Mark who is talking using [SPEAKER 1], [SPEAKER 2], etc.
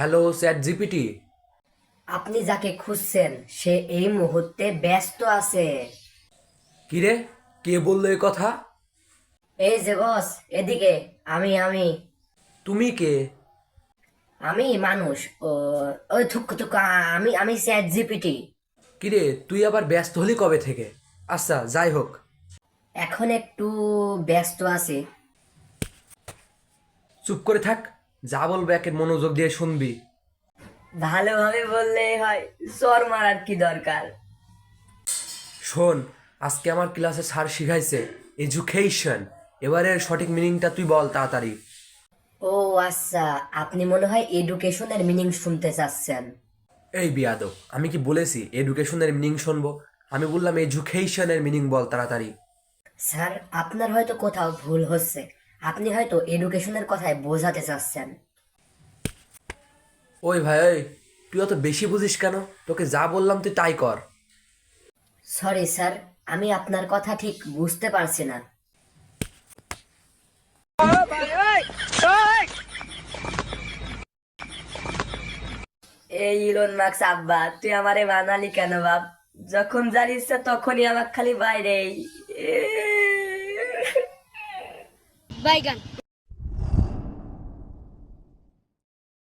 [SPEAKER 1] Hello chat GPT.
[SPEAKER 2] আপনি যাকে খুঁজছেন সে এই মুহূর্তে ব্যস্ত আছে।
[SPEAKER 1] কিরে, কে বললো এ কথা?
[SPEAKER 2] এই যে বস, এদিকে। আমি
[SPEAKER 1] তুমি কে?
[SPEAKER 2] আমি মানুষ। ও, ওই থুক থুক। আমি চ্যাট জিপিটি।
[SPEAKER 1] কিরে, তুই আবার ব্যস্ত হলি কবে থেকে? আচ্ছা, যাই হোক।
[SPEAKER 2] এখন একটু ব্যস্ত আছি।
[SPEAKER 1] চুপ করে থাক। যা বলবো একে মনোযোগ দিয়ে শুনবি।
[SPEAKER 2] ভালোভাবে বললেই হয়, চর মারার কি দরকার?
[SPEAKER 1] শোন, আজকে আমার ক্লাসে স্যার শিখাইছে এডুকেশন। এবারের সঠিক মিনিংটা তুই বল তাড়াতাড়ি।
[SPEAKER 2] ও আচ্ছা, আপনি মনে হয় এডুকেশনের মিনিং শুনতে চাচ্ছেন।
[SPEAKER 1] এই বিয়াদব, আমি কি বলেছি এডুকেশনের মিনিং শুনবো? আমি বললাম এডুকেশনের মিনিং বল তাড়াতাড়ি।
[SPEAKER 2] স্যার, আপনার হয়তো কোথাও ভুল হচ্ছে। আপনি হয়তো এডুকেশনের কথায় বোঝাতে চাচ্ছেন।
[SPEAKER 1] ওই ভাই ওই, তুই অত বেশি বুঝিস কেন? তোকে যা বললাম তুই তাই কর।
[SPEAKER 2] সরি স্যার, আমি আপনার কথা ঠিক বুঝতে পারছি না। এই ইলন মার্কস আব্বা, তুই আমারে বানালি কেন বাপ? যখন যার ইচ্ছা তখনই আমার খালি বাইরে।
[SPEAKER 3] বাইগান।